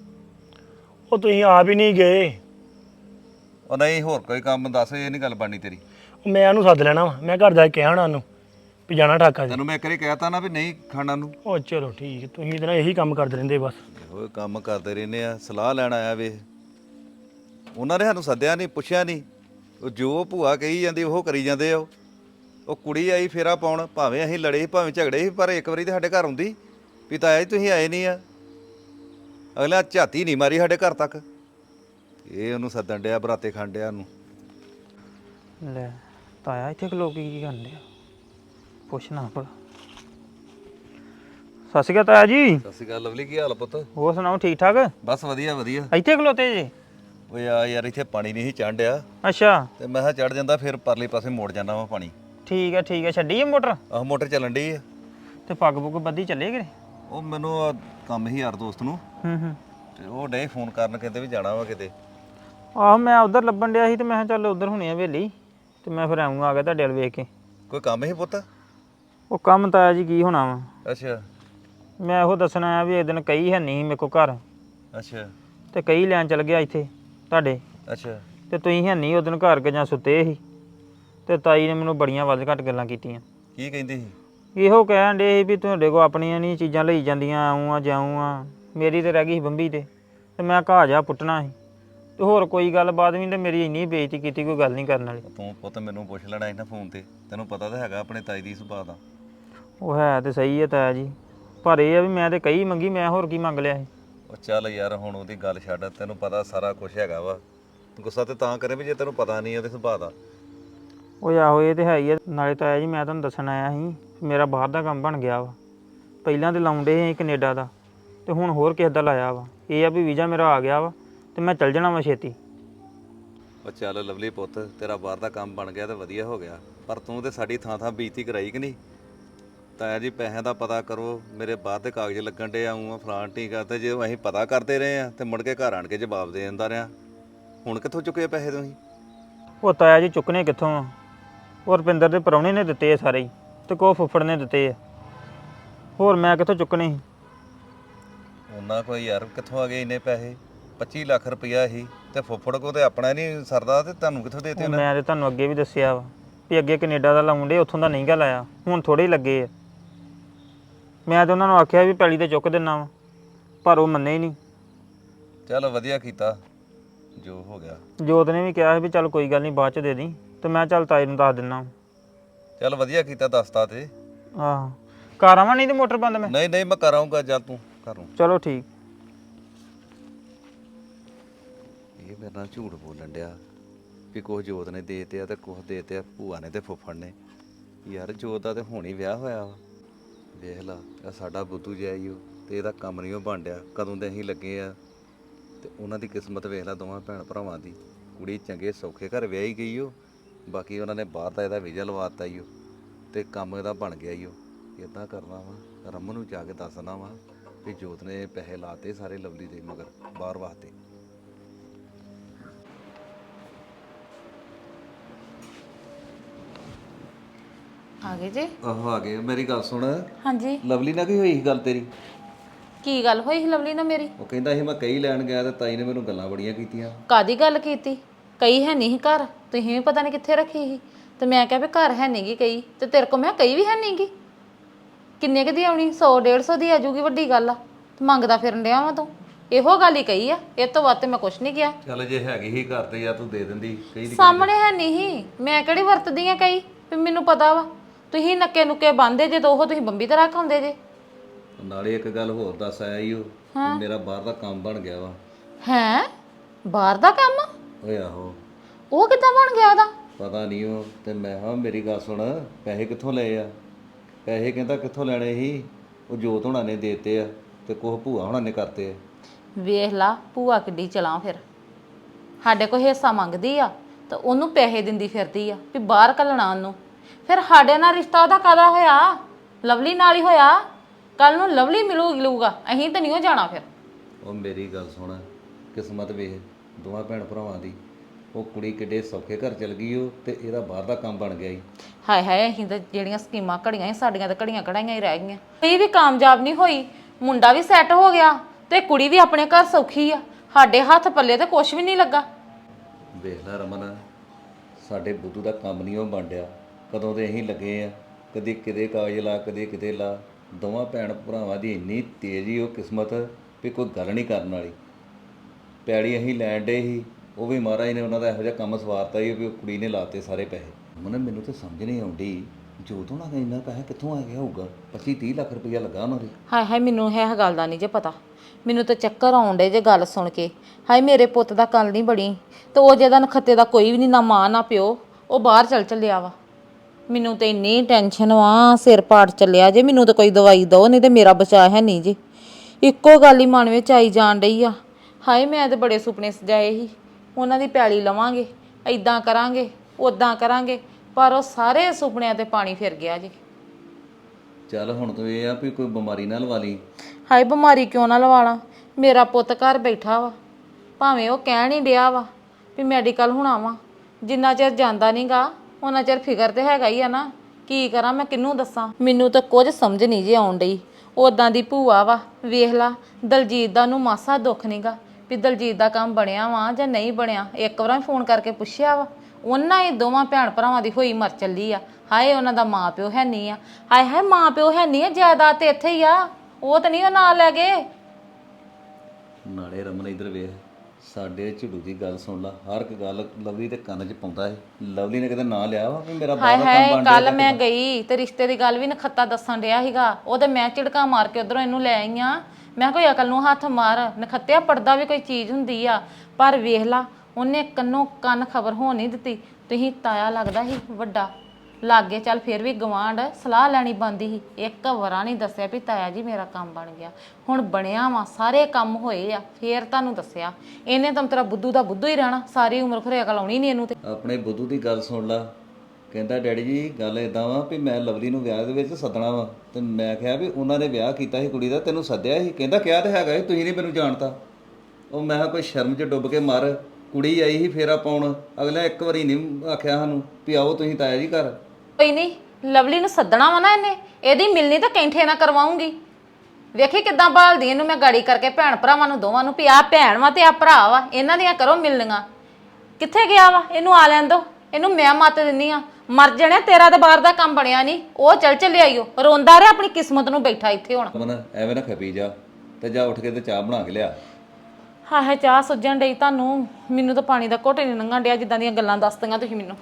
[SPEAKER 4] ਉਹ ਤੁਸੀਂ ਆਪ ਹੀ ਨਹੀਂ ਗਏ।
[SPEAKER 3] ਉਹ ਨਹੀਂ, ਹੋਰ ਕੋਈ ਕੰਮ ਦੱਸ, ਇਹ ਨਹੀਂ ਗੱਲ ਬਣਨੀ ਤੇਰੀ।
[SPEAKER 4] ਉਹ ਮੈਂ ਉਹਨੂੰ ਸੱਦ ਲੈਣਾ ਵਾ, ਮੈਂ ਘਰ ਜਾ ਕੇ ਕਹਿ ਆਉਣਾ ਉਹਨੂੰ ਵੀ ਜਾਣਾ ਠਾਕਾ ਜੀ।
[SPEAKER 3] ਤੈਨੂੰ ਮੈਂ ਇੱਕ ਵਾਰੀ ਕਹਿਤਾ ਨਾ ਵੀ ਨਹੀਂ ਖਾਣਾ ਨੂੰ।
[SPEAKER 4] ਉਹ ਚਲੋ ਠੀਕ, ਤੁਸੀਂ ਇਹਦੇ ਨਾਲ ਇਹੀ ਕੰਮ ਕਰਦੇ ਰਹਿੰਦੇ ਬਸ।
[SPEAKER 3] ਇਹੋ ਕੰਮ ਕਰਦੇ ਰਹਿੰਦੇ ਆ, ਸਲਾਹ ਲੈਣ ਆਇਆ ਵੇ। ਉਹਨਾਂ ਨੇ ਸਾਨੂੰ ਸੱਦਿਆ ਨਹੀਂ, ਪੁੱਛਿਆ ਨਹੀਂ, ਉਹ ਜੋ ਭੂਆ ਕਹੀ ਜਾਂਦੀ ਉਹ ਕਰੀ ਜਾਂਦੇ ਆ। ਉਹ ਕੁੜੀ ਆਈ ਫੇਰਾ ਪਾਉਣ, ਭਾਵੇਂ ਅਸੀਂ ਲੜੇ ਸੀ ਭਾਵੇਂ ਝਗੜੇ ਸੀ, ਪਰ ਇੱਕ ਵਾਰੀ ਤੇ ਸਾਡੇ ਘਰ ਆਉਂਦੀ ਵੀ ਤਾਇਆ ਜੀ ਤੁਸੀਂ ਆਏ ਨਹੀਂ ਆ। ਅਗਲਾ ਝਾਤੀ ਨਹੀਂ ਮਾਰੀ ਸਾਡੇ ਘਰ ਤੱਕ। ਇਹ ਉਹਨੂੰ ਸੱਦਣ ਡਿਆ, ਬਰਾਤੇ ਖਾਣ ਡਿਆ ਉਹਨੂੰ।
[SPEAKER 2] ਲੈ ਤਾਇਆ ਇੱਥੇ ਖਲੋ ਕੇ ਕੀ ਕਰਨ ਡਿਆ, ਪੁੱਛਣਾ ਭਲਾ। ਸਤਿ ਸ਼੍ਰੀ ਅਕਾਲ ਤਾਇਆ ਜੀ।
[SPEAKER 3] ਸਤਿ ਸ਼੍ਰੀ ਅਕਾਲ ਲਵਲੀ, ਕੀ ਹਾਲ ਪੁੱਤ?
[SPEAKER 2] ਹੋਰ ਸੁਣਾਓ, ਠੀਕ ਠਾਕ?
[SPEAKER 3] ਬਸ ਵਧੀਆ ਵਧੀਆ।
[SPEAKER 2] ਇੱਥੇ ਖਲੋਤੇ ਜੇ?
[SPEAKER 3] ਓਏ ਆ ਯਾਰ, ਇੱਥੇ ਪਾਣੀ ਨਹੀਂ ਸੀ ਚੜ੍ਹਿਆ
[SPEAKER 2] ਅੱਛਾ,
[SPEAKER 3] ਤੇ ਮੈਂ ਕਿਹਾ ਚੜ ਜਾਂਦਾ ਫਿਰ ਪਰਲੇ ਪਾਸੇ ਮੋੜ ਜਾਂਦਾ ਵਾ ਪਾਣੀ।
[SPEAKER 2] ਠੀਕ ਹੈ ਛੱਡੀ ਹੈ ਮੋਟਰ?
[SPEAKER 3] ਆਹ ਮੋਟਰ ਚੱਲਣ ਡਈ ਆ।
[SPEAKER 2] ਤੇ ਪੱਗ ਪੁੱਗ ਬੱਧੀ ਚੱਲੇ ਕਿਰੇ?
[SPEAKER 3] ਉਹ ਮੈਨੂੰ ਕੰਮ ਹੀ ਯਾਰ ਦੋਸਤ ਨੂੰ
[SPEAKER 2] ਹੂੰ
[SPEAKER 3] ਤੇ ਉਹ ਡੇ ਫੋਨ ਕਰਨ ਕਹਿੰਦੇ ਵੀ ਜਾਣਾ ਵਾ ਕਿਤੇ।
[SPEAKER 2] ਆਹੋ ਮੈਂ ਉਧਰ ਲੱਭਣ ਡਿਆ ਸੀ ਤੇ ਮੈਂ ਕਿਹਾ ਚੱਲ ਉਧਰ ਹੋਣੀ ਆ ਹਵੇਲੀ ਤੇ ਮੈਂ ਫਿਰ ਆਉਂਗਾ ਆ ਗਿਆ ਤੁਹਾਡੇ ਵੱਲ ਵੇਖ ਕੇ।
[SPEAKER 3] ਕੋਈ ਕੰਮ ਹੀ ਪੁੱਤ?
[SPEAKER 2] ਉਹ ਕੰਮ ਤਾਂ ਜੀ ਕੀ ਹੋਣਾ ਵਾ,
[SPEAKER 3] ਅੱਛਾ
[SPEAKER 2] ਮੈਂ ਇਹੋ ਦੱਸਣਾ ਆ ਵੀ ਇਹ ਦਿਨ ਕਈ ਹੈ ਨਹੀਂ ਮੇਰੇ ਕੋਲ ਘਰ,
[SPEAKER 3] ਅੱਛਾ
[SPEAKER 2] ਤੇ ਕਈ ਲੈਣ ਚਲ ਗਿਆ ਇੱਥੇ ਤੁਹਾਡੇ,
[SPEAKER 3] ਅੱਛਾ
[SPEAKER 2] ਤੇ ਤੁਸੀਂ ਹੈ ਨਹੀਂ ਉਹ ਦਿਨ ਘਰ ਕੇ ਜਾਂ ਸੁੱਤੇ ਸੀ, ਤੇ ਤਾਈ ਨੇ ਮੈਨੂੰ ਬੜੀਆਂ ਵੱਧ ਘੱਟ ਗੱਲਾਂ ਕੀਤੀਆਂ।
[SPEAKER 3] ਕੀ ਕਹਿੰਦੀ ਸੀ?
[SPEAKER 2] ਇਹੋ ਕਹਿਣ ਡੇ ਸੀ ਵੀ ਤੁਹਾਡੇ ਕੋਲ ਆਪਣੀਆਂ ਨਹੀਂ ਚੀਜ਼ਾਂ ਲਈ ਜਾਂਦੀਆਂ, ਆਉਂ ਆ ਜਾਉਂ ਆ, ਮੇਰੀ ਤੇ ਰਹਿ ਗਈ ਸੀ ਬੰਬੀ ਤੇ ਮੈਂ ਘਾਹ ਜਾ ਪੁੱਟਣਾ ਸੀ, ਤੇ ਹੋਰ ਕੋਈ ਗੱਲ ਬਾਤ ਨਹੀਂ, ਤੇ ਮੇਰੀ ਇੰਨੀ ਬੇਇੱਜ਼ਤੀ ਕੀਤੀ ਕੋਈ ਗੱਲ ਨਹੀਂ ਕਰਨ ਵਾਲੀ।
[SPEAKER 3] ਤੂੰ ਪੁੱਤ ਮੈਨੂੰ ਪੁੱਛ ਲੈਣਾ ਸੀ ਨਾ ਫੋਨ ਤੇ, ਤੈਨੂੰ ਪਤਾ ਤਾਂ ਹੈਗਾ ਆਪਣੇ ਤਾਈ ਦੀ ਸੁਭਾਅ ਦਾ।
[SPEAKER 2] ਉਹ ਹੈ ਤੇ ਸਹੀ ਹੈ ਤਾਇਆ ਜੀ, ਪਰ ਇਹ ਆ ਵੀ ਮੈਂ ਤੇ ਕਈ ਮੰਗੀ, ਮੈਂ ਹੋਰ ਕੀ ਮੰਗ ਲਿਆ ਸੀ।
[SPEAKER 3] ਉਹ ਚੱਲ ਯਾਰ ਹੁਣ ਉਹਦੀ ਗੱਲ ਛੱਡ, ਤੈਨੂੰ ਪਤਾ ਸਾਰਾ ਕੁਝ ਹੈਗਾ ਵਾ। ਗੁੱਸਾ ਤੇ ਤਾਂ ਕਰੇ ਵੀ ਜੇ ਤੈਨੂੰ ਪਤਾ ਨਹੀਂ ਉਹਦੇ ਸੁਭਾਅ ਦਾ।
[SPEAKER 2] ਉਹ ਆਹੋ ਇਹ ਤੇ ਹੈ ਹੀ ਆ। ਨਾਲੇ ਤਾਇਆ ਜੀ ਮੈਂ ਤੁਹਾਨੂੰ ਦੱਸਣ ਆਇਆ ਸੀ, ਮੇਰਾ ਬਾਹਰ ਦਾ ਕੰਮ ਬਣ ਗਿਆ ਵਾ। ਪਹਿਲਾਂ ਤੇ ਲਾਉਂਦੇ ਸੀ ਕੈਨੇਡਾ ਦਾ, ਤੇ ਹੁਣ ਹੋਰ ਕਿਸੇ ਦਾ ਲਾਇਆ ਵਾ। ਇਹ ਆ ਵੀ ਵੀਜ਼ਾ ਮੇਰਾ ਆ ਗਿਆ ਵਾ ਤੇ ਮੈਂ ਚੱਲ ਜਾਣਾ ਵਾ ਛੇਤੀ।
[SPEAKER 3] ਉਹ ਚੱਲ ਲਵਲੀ ਪੁੱਤ, ਤੇਰਾ ਬਾਹਰ ਦਾ ਕੰਮ ਬਣ ਗਿਆ ਤੇ ਵਧੀਆ ਹੋ ਗਿਆ, ਪਰ ਤੂੰ ਤੇ ਸਾਡੀ ਥਾਂ ਥਾਂ ਬੇਇੱਜ਼ਤੀ ਕਰਾਈ ਕਿ ਨਹੀਂ? ਤਾਇਆ ਜੀ ਪੈਸਿਆਂ ਦਾ ਪਤਾ ਕਰੋ, ਮੇਰੇ ਬਾਹਰ ਦੇ ਕਾਗਜ਼ ਲੱਗਣ ਡੇ ਆਊਂ ਫਲਾਣ ਟੀਕਾ, ਤੇ ਜੇ ਅਸੀਂ ਪਤਾ ਕਰਦੇ ਰਹੇ ਆ ਤੇ ਮੁੜ ਕੇ ਘਰ ਆਣ ਕੇ ਜਵਾਬ ਦੇ ਦਿੰਦਾ ਰਿਹਾ। ਹੁਣ ਕਿੱਥੋਂ ਚੁੱਕੇ ਪੈਸੇ ਤੁਸੀਂ?
[SPEAKER 2] ਉਹ ਤਾਇਆ ਜੀ ਚੁੱਕਣੇ ਕਿੱਥੋਂ ਆ? ਉਹ ਰੁਪਿੰਦਰ ਦੇ ਪ੍ਰਾਹੁਣੇ ਨੇ ਦਿੱਤੇ ਆ ਸਾਰੇ ਹੀ, ਤੇ ਕੋ ਫੁੱਫੜ ਨੇ ਦਿੱਤੇ ਆ, ਹੋਰ ਮੈਂ ਕਿੱਥੋਂ ਚੁੱਕਣੇ ਸੀ?
[SPEAKER 3] ਉਹਨਾਂ ਕੋਈ ਯਾਰ ਕਿੱਥੋਂ ਆ ਗਏ ਇੰਨੇ ਪੈਸੇ? 25 ਲੱਖ ਰੁਪਇਆ ਸੀ ਤੇ ਫੁੱਫੜ ਕੋ ਤੇ ਆਪਣਾ ਨਹੀਂ ਸਰਦਾ, ਤੇ ਤੁਹਾਨੂੰ ਕਿੱਥੋਂ ਦੇਤੇ ਉਹਨਾਂ?
[SPEAKER 2] ਮੈਂ ਤੇ ਤੁਹਾਨੂੰ ਅੱਗੇ ਵੀ ਦੱਸਿਆ ਵਾ ਵੀ ਅੱਗੇ ਕੈਨੇਡਾ ਦਾ ਲਾਉਂਦੇ, ਉੱਥੋਂ ਦਾ ਨਹੀਂ ਗਾ ਲਾਇਆ, ਹੁਣ ਥੋੜੇ ਹੀ ਲੱਗੇ ਆ। ਮੈਂ ਤੇ ਉਹਨਾਂ ਨੂੰ ਆਖਿਆ ਵੀ ਪੈਲੀ ਤੇ ਚੁੱਕ ਦਿੰਨਾ ਵਾ, ਪਰ ਉਹ ਮੰਨੇ ਹੀ ਨਹੀਂ।
[SPEAKER 3] ਚੱਲ ਵਧੀਆ ਕੀਤਾ ਜੋ ਹੋ ਗਿਆ।
[SPEAKER 2] ਜੋਤ ਨੇ ਵੀ ਕਿਹਾ ਸੀ ਵੀ ਚੱਲ ਕੋਈ ਗੱਲ ਨਹੀਂ ਬਾਅਦ ਚ ਦੇ ਦੀ, ਤੇ ਮੈਂ ਚੱਲ ਤਾਈ ਨੂੰ ਦੱਸ ਦਿੰਨਾ।
[SPEAKER 3] ਚੱਲ ਵਧੀਆ ਕੀਤਾ ਦੱਸਤਾ ਤੇ।
[SPEAKER 2] ਆਹੋ ਘਰ ਆਵਾਂ ਨਹੀਂ ਤੇ ਮੋਟਰ ਬੰਦ ਮੈਂ।
[SPEAKER 3] ਨਹੀਂ ਨਹੀਂ ਮੈਂ ਕਰ ਆਊਂਗਾ, ਜਦ ਤੂੰ ਕਰੂੰ।
[SPEAKER 2] ਚਲੋ ਠੀਕ।
[SPEAKER 3] ਇਹ ਮੇਰੇ ਨਾਲ ਝੂਠ ਬੋਲਣ ਡਿਆ ਵੀ ਕੁਛ ਜੋਤ ਨੇ ਦੇਤੇ ਆ ਤੇ ਕੁਛ ਦੇਤੇ ਆ ਭੂਆ ਨੇ ਤੇ ਫੁੱਫੜ ਨੇ। ਯਾਰ ਜੋਤ ਦਾ ਤੇ ਹੁਣ ਹੀ ਵਿਆਹ ਹੋਇਆ ਵਾ, ਵੇਖ ਲਾ ਇਹ ਸਾਡਾ ਬੁੱਧੂ ਜਿਹਾ ਈ ਓ, ਤੇ ਇਹਦਾ ਕੰਮ ਨਹੀਂ ਉਹ ਬਣ ਡਿਆ। ਕਦੋਂ ਦੇ ਅਸੀਂ ਲੱਗੇ ਆ, ਤੇ ਉਹਨਾਂ ਦੀ ਕਿਸਮਤ ਵੇਖ ਲਾ ਦੋਵਾਂ ਭੈਣ ਭਰਾਵਾਂ ਦੀ। ਕੁੜੀ ਚੰਗੇ ਸੌਖੇ ਘਰ ਵਿਆਹੀ ਗਈ ਓ, ਬਾਕੀ ਉਹਨਾਂ ਨੇ ਬਾਹਰ ਦਾ ਇਹਦਾ ਵੀਜ਼ਾ ਲਵਾਤਾ ਈ ਓ, ਤੇ ਕੰਮ ਇਹਦਾ ਬਣ ਗਿਆ ਈ ਓ। ਇੱਦਾਂ ਕਰਨਾ ਵਾ, ਰਮਨ ਨੂੰ ਜਾ ਕੇ ਦੱਸਣਾ ਵਾ ਵੀ ਜੋਤ ਨੇ ਪੈਸੇ ਲਾਤੇ ਸਾਰੇ ਲਵਲੀ ਦੇ ਮਗਰ ਬਾਹਰ ਵਾਸਤੇ।
[SPEAKER 1] ਆ ਗਏ ਜੇ?
[SPEAKER 3] ਆਹੋ ਆ ਗਏ। ਮੇਰੀ ਗੱਲ ਸੁਣ,
[SPEAKER 1] ਹਾਂਜੀ।
[SPEAKER 3] ਲਵਲੀ ਨਾਲ ਕੀ ਹੋਈ ਸੀ ਗੱਲ ਤੇਰੀ?
[SPEAKER 1] ਕੀ ਗੱਲ ਹੋਈ ਸੀ ਲਵਲੀ ਨਾਲ ਮੇਰੀ?
[SPEAKER 3] ਉਹ ਕਹਿੰਦਾ ਸੀ ਮੈਂ ਕਈ ਲੈਣ ਗਿਆ ਤੇ ਤਾਈ ਨੇ ਮੈਨੂੰ ਗੱਲਾਂ ਬੜੀਆਂ ਕੀਤੀਆਂ।
[SPEAKER 1] ਕਾਦੀ ਗੱਲ ਕੀਤੀ? ਕਈ ਹੈ ਨਹੀਂ ਸੀ ਘਰ, ਤੁਸੀਂ ਵੀ ਪਤਾ ਨਹੀਂ ਕਿੱਥੇ ਰੱਖੀ ਸੀ, ਤੇ ਮੈਂ ਕਿਹਾ ਵੀ ਘਰ ਹੈ ਨਹੀਂਗੀ ਕਈ, ਤੇ ਤੇਰੇ ਕੋਲ ਮੈਂ ਕਈ ਵੀ ਹੈ ਨਹੀਂਗੀ। ਕਿੰਨੇ ਕੁ ਦੀ ਆਉਣੀ? 100 150 ਦੀ ਆਜੂਗੀ, ਵੱਡੀ ਗੱਲ ਆ। ਤੇ ਮੰਗਦਾ ਫਿਰਨ ਡਿਆ ਵਾ ਤੂੰ, ਇਹੋ ਗੱਲ ਹੀ ਕਹੀ ਆ, ਇਹ ਤੋਂ ਵੱਧ ਤੇ ਮੈਂ ਕੁਛ ਨਹੀਂ ਕਿਹਾ।
[SPEAKER 3] ਚੱਲ ਜੇ ਹੈਗੀ ਸੀ ਘਰ ਤੇ ਜਾਂ ਤੂੰ ਦੇ ਦਿੰਦੀ ਕਈ ਦੀ।
[SPEAKER 1] ਸਾਹਮਣੇ ਹੈ ਨਹੀਂ ਸੀ, ਮੈਂ ਕਿਹੜੀ ਵਰਤਦੀ ਆ ਕਈ, ਵੀ ਮੈਨੂੰ ਪਤਾ ਵਾ। ਤੁਸੀਂ ਨੱਕੇ ਨੁੱਕੇ ਬੰਨਦੇ ਜੇ, ਤਾਂ ਉਹ ਤੁਸੀਂ ਬੰਬੀ ਤੇ ਰੱਖ ਆਉਂਦੇ ਜੇ।
[SPEAKER 3] ਨਾਲੇ ਇੱਕ ਗੱਲ ਹੋਰ ਦੱਸ ਆਇਆ ਈ ਉਹ, ਮੇਰਾ ਬਾਹਰ ਦਾ ਕੰਮ ਬਣ ਗਿਆ ਵਾ।
[SPEAKER 1] ਹੈਂ? ਬਾਹਰ ਦਾ ਕੰਮ?
[SPEAKER 3] ਓਏ ਆਹੋ।
[SPEAKER 1] ਉਹ ਕਿੱਦਾਂ ਬਣ ਗਿਆ ਉਹਦਾ?
[SPEAKER 3] ਪਤਾ ਨਹੀਂ ਉਹ, ਤੇ ਮੈਂ ਹਾਂ ਮੇਰੀ ਗੱਲ ਸੁਣ, ਪੈਸੇ ਕਿੱਥੋਂ ਲਏ ਆ? ਪੈਸੇ ਕਹਿੰਦਾ ਕਿੱਥੋਂ ਲੈਣੇ ਸੀ, ਉਹ ਜੋਤ ਹੋਣਾ ਨੇ ਦੇਤੇ ਆ ਤੇ ਕੁਛ ਭੂਆ ਹੋਣਾ ਨੇ ਕਰਤੇ ਆ।
[SPEAKER 1] ਵੇਖ ਲਾ ਭੂਆ ਕਿੱਡੀ ਚਲਾਂ, ਫਿਰ ਸਾਡੇ ਕੋਲ ਹਿੱਸਾ ਮੰਗਦੀ ਆ ਤਾਂ ਉਹਨੂੰ ਪੈਸੇ ਦਿੰਦੀ ਫਿਰਦੀ ਆ ਵੀ ਬਾਹਰ ਘੱਲਣਾ ਉਹਨੂੰ। ਫਿਰ ਸਾਡੇ ਨਾਲ ਰਿਸ਼ਤਾ ਉਹਦਾ ਕਾਹਦਾ ਹੋਇਆ? ਲਵਲੀ ਨਾਲ ਹੀ ਹੋਇਆ। ਕੱਲ ਨੂੰ ਲਵਲੀ ਮਿਲੂਗਾ, ਅਸੀਂ ਤਾਂ ਨਹੀਂ ਉਹ ਜਾਣਾ। ਫਿਰ
[SPEAKER 3] ਉਹ ਮੇਰੀ ਗੱਲ ਸੁਣ, ਕਿਸਮਤ ਵੇਖ ਦੋਵਾਂ ਭੈਣ ਭਰਾਵਾਂ ਦੀ। ਉਹ ਕੁੜੀ ਕਿੱਡੇ ਸੌਖੇ ਘਰ ਚਲ ਗਈ ਉਹ, ਤੇ ਇਹਦਾ ਬਾਹਰ ਦਾ ਕੰਮ ਬਣ ਗਿਆ ਈ।
[SPEAKER 1] ਹਾਏ ਹਾਏ, ਅਸੀਂ ਤਾਂ ਜਿਹੜੀਆਂ ਸਕੀਮਾਂ ਘੜੀਆਂ ਸੀ ਸਾਡੀਆਂ ਤਾਂ ਘੜੀਆਂ ਕਢਾਈਆਂ ਹੀ ਰਹਿ ਗਈਆਂ। ਇਹ ਵੀ ਕਾਮਯਾਬ ਨਹੀਂ ਹੋਈ। ਮੁੰਡਾ ਵੀ ਸੈੱਟ ਹੋ ਗਿਆ ਤੇ ਕੁੜੀ ਵੀ ਆਪਣੇ ਘਰ ਸੌਖੀ ਆ, ਸਾਡੇ ਹੱਥ ਪੱਲੇ ਤੇ ਕੁਝ ਵੀ ਨਹੀਂ ਲੱਗਾ।
[SPEAKER 3] ਵੇਖ ਲੈ ਰਮਨ, ਸਾਡੇ ਬੁੱਧੂ ਦਾ ਕੰਮ ਨਹੀਂ ਉਹ ਬਣ ਡਿਆ। ਕਦੋਂ ਦੇ ਅਸੀਂ ਲੱਗੇ ਆ, ਕਦੇ ਕਿਤੇ ਕਾਗਜ਼ ਲਾ, ਕਦੇ ਕਿਤੇ ਲਾ। ਦੋਵਾਂ ਭੈਣ ਭਰਾਵਾਂ ਦੀ ਇੰਨੀ ਤੇਜ਼ੀ ਉਹ ਕਿਸਮਤ ਵੀ ਕੋਈ ਗੱਲ ਨਹੀਂ ਕਰਨ ਵਾਲੀ। ਪੈੜੀ ਅਸੀਂ ਲੈਣ ਡੇ ਸੀ, ਉਹ ਵੀ ਮਹਾਰਾਜ ਨੇ ਉਹਨਾਂ ਦਾ ਇਹੋ ਜਿਹਾ ਕੰਮ ਸਵਾਰਤਾ ਹੀ ਵੀ ਉਹ ਕੁੜੀ ਨੇ ਲਾਤੇ ਸਾਰੇ ਪੈਸੇ। ਮੈਨੂੰ ਤਾਂ ਸਮਝ ਨਹੀਂ ਆਉਂਦੀ, ਜੋਤ ਹੋਣਾ ਦਾ ਇੰਨਾ ਪੈਸਾ ਕਿੱਥੋਂ ਆ ਗਿਆ ਹੋਊਗਾ? 25-30 ਲੱਖ ਰੁਪਈਆ ਲੱਗਾ ਉਹਨਾਂ ਦੇ।
[SPEAKER 1] ਹਾਏ ਹਾਏ, ਮੈਨੂੰ ਇਹ ਗੱਲ ਦਾ ਨਹੀਂ ਜੇ ਪਤਾ। ਮੈਨੂੰ ਤਾਂ ਚੱਕਰ ਆਉਣ ਡੇ ਜੇ ਗੱਲ ਸੁਣ ਕੇ। ਹਾਏ ਮੇਰੇ ਪੁੱਤ ਦਾ ਕੱਲ ਨਹੀਂ ਬਣੀ, ਤੇ ਉਹ ਜਿਹਦਾ ਨਖੱਤੇ ਦਾ ਕੋਈ ਵੀ ਨਹੀਂ, ਨਾ ਮਾਂ ਨਾ ਪਿਓ, ਉਹ ਬਾਹਰ ਚੱਲਿਆ ਵਾ। ਮੈਨੂੰ ਤੇ ਇੰਨੀ ਟੈਨਸ਼ਨ ਵਾ, ਸਿਰ ਪਾੜ ਚੱਲਿਆ ਜੇ। ਮੈਨੂੰ ਤਾਂ ਕੋਈ ਦਵਾਈ ਦਿਓ, ਨਹੀਂ ਤੇ ਮੇਰਾ ਬਚਾਅ ਹੈ ਨਹੀਂ ਜੀ। ਇੱਕੋ ਗੱਲ ਹੀ ਮਨ ਵਿੱਚ ਆਈ ਜਾਣ ਡਈ ਆ। ਹਾਏ ਮੈਂ ਤਾਂ ਬੜੇ ਸੁਪਨੇ ਸਜਾਏ ਸੀ, ਉਹਨਾਂ ਦੀ ਪੈਲੀ ਲਵਾਂਗੇ, ਐਦਾਂ ਕਰਾਂਗੇ, ਉੱਦਾਂ ਕਰਾਂਗੇ, ਪਰ ਉਹ ਸਾਰੇ ਸੁਪਨਿਆਂ ਤੇ ਪਾਣੀ ਫਿਰ ਗਿਆ ਜੀ।
[SPEAKER 3] ਚੱਲ ਹੁਣ ਤੂੰ ਇਹ ਆ ਵੀ ਕੋਈ ਬਿਮਾਰੀ ਨਾ ਲਵਾ ਲਈ।
[SPEAKER 1] ਹਾਏ ਬਿਮਾਰੀ ਕਿਉਂ ਨਾ ਲਵਾਣਾ, ਮੇਰਾ ਪੁੱਤ ਘਰ ਬੈਠਾ ਵਾ, ਭਾਵੇਂ ਉਹ ਕਹਿਣ ਹੀ ਡਿਆ ਵਾ ਵੀ ਮੈਡੀਕਲ ਹੋਣਾ ਵਾ। ਜਿੰਨਾ ਚਿਰ ਜਾਂਦਾ ਨਹੀਂਗਾ ਉਹਨਾਂ ਚਿਰ ਫਿਕਰ ਤੇ ਹੈਗਾ ਹੀ ਆ ਨਾ। ਕੀ ਕਰਾਂ ਮੈਂ, ਕਿਹਨੂੰ ਦੱਸਾਂ? ਮੈਨੂੰ ਤਾਂ ਕੁਝ ਸਮਝ ਨਹੀਂ ਜੇ ਆਉਣ ਡਈ। ਉਦਾਂ ਦੀ ਭੂਆ ਵਾ, ਵੇਖ ਲਾ ਦਲਜੀਤ ਦਾ ਨੂੰ ਮਾਸਾ ਦੁੱਖ ਨਹੀਂਗਾ ਵੀ ਦਲਜੀਤ ਦਾ ਕੰਮ ਬਣਿਆ ਵਾ ਜਾਂ ਨਹੀਂ ਬਣਿਆ। ਇੱਕ ਵਾਰ ਫੋਨ ਕਰਕੇ ਪੁੱਛਿਆ ਵਾ, ਉਹਨਾਂ ਹੀ ਦੋਵਾਂ ਭੈਣ ਭਰਾਵਾਂ ਦੀ ਹੋਈ ਮਰ ਚੱਲੀ ਆ। ਹਾਏ ਉਹਨਾਂ ਦਾ ਮਾਂ ਪਿਓ ਹੈ ਨਹੀਂ ਆ, ਹਾਏ ਹਾਏ ਮਾਂ ਪਿਓ ਹੈ ਨਹੀਂ ਆ, ਜਾਇਦਾਦ ਤੇ ਇੱਥੇ ਹੀ ਆ, ਉਹ ਤਾਂ ਨਹੀਂ ਉਹ ਨਾਲ ਲੈ ਗਏ।
[SPEAKER 3] ਨਾਲੇ ਰਮਨ ਇੱਧਰ ਵੇਖ, ਸਾਡੇ ਝੁੱਡੂ ਦੀ ਗੱਲ ਸੁਣ ਲਾ। ਹਰ ਇੱਕ ਗੱਲ ਲਵਲੀ ਦੇ ਕੰਨ 'ਚ ਪਾਉਂਦਾ ਹੈ। ਲਵਲੀ ਨੇ ਕਦੇ ਨਾਂ ਲਿਆ ਵਾ ਵੀ ਮੇਰਾ
[SPEAKER 1] ਹਾਏ
[SPEAKER 3] ਬਾਹਰ ਦਾ
[SPEAKER 1] ਹਾਏ
[SPEAKER 3] ਕੰਮ ਬਣ
[SPEAKER 1] ਕੱਲ ਮੈਂ ਗਈ ਤੇ ਰਿਸ਼ਤੇ ਦੀ ਗੱਲ ਵੀ ਨਖੱਤਾ ਦੱਸਣ ਡਿਆ ਸੀਗਾ। ਉਹਦੇ ਮੈਂ ਝਿੜਕਾ ਮਾਰ ਕੇ ਉਧਰੋਂ ਇਹਨੂੰ ਲੈ ਆਈ ਆ। ਮੈਂ ਕੋਈ ਅਕਲ ਨੂੰ ਹੱਥ ਮਾਰ, ਨਖੱਤਿਆ ਪੜਦਾ ਵੀ ਕੋਈ ਚੀਜ਼ ਹੁੰਦੀ ਆ। ਪਰ ਵੇਖ ਲਾ ਉਹਨੇ ਕੰਨੋਂ ਕੰਨ ਖਬਰ ਹੋਣ ਨਹੀਂ ਦਿੱਤੀ। ਤੁਸੀਂ ਤਾਇਆ ਲੱਗਦਾ ਸੀ ਵੱਡਾ ਲਾਗੇ, ਚੱਲ ਫਿਰ ਵੀ ਗਵਾਂਢ ਸਲਾਹ ਲੈਣੀ ਬੰਦੀ ਸੀ। ਇੱਕ ਵਾਰਾ ਨਹੀਂ ਦੱਸਿਆ ਵੀ ਤਾਇਆ ਜੀ ਮੇਰਾ ਕੰਮ ਬਣ ਗਿਆ। ਹੁਣ ਬਣਿਆ ਵਾ, ਸਾਰੇ ਕੰਮ ਹੋਏ ਆ, ਫੇਰ ਤੁਹਾਨੂੰ ਦੱਸਿਆ। ਇਹਨੇ ਤਾਂ ਤੇਰਾ ਬੁੱਧੂ ਦਾ ਬੁੱਧੂ ਹੀ ਰਹਿਣਾ, ਸਾਰੀ ਉਮਰ ਖਰੇ ਅਕਲ ਆਉਣੀ ਨਹੀਂ ਇਹਨੂੰ ਤੇ।
[SPEAKER 3] ਆਪਣੇ ਬੁੱਧੂ ਦੀ ਗੱਲ ਸੁਣ ਲਾ। ਕਹਿੰਦਾ ਡੈਡੀ ਜੀ ਗੱਲ ਇਦਾਂ ਵਾ ਵੀ ਮੈਂ ਲਵਲੀ ਨੂੰ ਵਿਆਹ ਦੇ ਵਿੱਚ ਸੱਦਣਾ ਵਾ। ਤੇ ਮੈਂ ਕਿਹਾ ਵੀ ਉਹਨਾਂ ਨੇ ਵਿਆਹ ਕੀਤਾ ਸੀ ਕੁੜੀ ਦਾ, ਤੈਨੂੰ ਸੱਦਿਆ ਸੀ? ਕਹਿੰਦਾ ਕਿਹਾ ਤਾਂ ਹੈਗਾ ਸੀ, ਤੁਸੀਂ ਨਹੀਂ ਮੈਨੂੰ ਜਾਣਤਾ। ਉਹ ਮੈਂ ਕਿਹਾ ਕੋਈ ਸ਼ਰਮ 'ਚ ਡੁੱਬ ਕੇ ਮਰ, ਕੁੜੀ ਆਈ ਸੀ ਫੇਰਾ ਪਾਉਣ। ਅਗਲਾ ਇੱਕ ਵਾਰੀ ਨਹੀਂ ਆਖਿਆ ਸਾਨੂੰ ਵੀ ਆਓ ਤੁਸੀਂ ਤਾਇਆ ਜੀ ਘਰ।
[SPEAKER 1] ਕੋਈ ਨਹੀਂ, ਲਵਲੀ ਨੂੰ ਸੱਦਣਾ ਵਾ ਨਾ ਇਹਨੇ, ਇਹਦੀ ਮਿਲਣੀ ਤਾਂ ਕੈਂਠੇ ਨਾ ਕਰਵਾਉਂਗੀ। ਵੇਖੀ ਕਿੱਦਾਂ ਭਾਲਦੀ ਇਹਨੂੰ ਮੈਂ ਗਾੜੀ ਕਰਕੇ ਭੈਣ ਭਰਾਵਾਂ ਨੂੰ ਦੋਵਾਂ ਨੂੰ ਵੀ ਆਹ ਭੈਣ ਵਾ ਤੇ ਆਹ ਭਰਾ ਵਾ, ਇਹਨਾਂ ਦੀਆਂ ਕਰੋ ਮਿਲਣੀਆਂ। ਕਿੱਥੇ ਗਿਆ ਵਾ? ਇਹਨੂੰ ਆ ਲੈਣ ਦੋ, ਇਹਨੂੰ ਮੈਂ ਮੱਤ ਦਿੰਨੀ ਆ। ਮਰ ਜਾਣਾ, ਤੇਰਾ ਤਾਂ ਬਾਹਰ ਦਾ ਕੰਮ ਬਣਿਆ ਨਹੀਂ। ਉਹ ਚੱਲ ਆਈਓ, ਰੋਂਦਾ ਰਿਹਾ ਆਪਣੀ ਕਿਸਮਤ ਨੂੰ ਬੈਠਾ ਇੱਥੇ ਹੁਣ।
[SPEAKER 3] ਮਨ ਐਵੇਂ ਨਾ ਖਪੀ ਜਾ, ਤੇ ਜਾ ਉੱਠ ਕੇ ਤੇ ਚਾਹ ਬਣਾ ਕੇ ਲਿਆ।
[SPEAKER 1] ਹਾਏ ਚਾਹ ਸੁੱਜਣ ਡਈ ਤੁਹਾਨੂੰ, ਮੈਨੂੰ ਤਾਂ ਪਾਣੀ ਦਾ ਘੁੱਟ ਨਹੀਂ ਲੰਘਣ ਡਿਆ ਜਿੱਦਾਂ ਦੀਆਂ ਗੱਲਾਂ ਦੱਸਦੀਆਂ ਤੁਸੀਂ ਮੈਨੂੰ।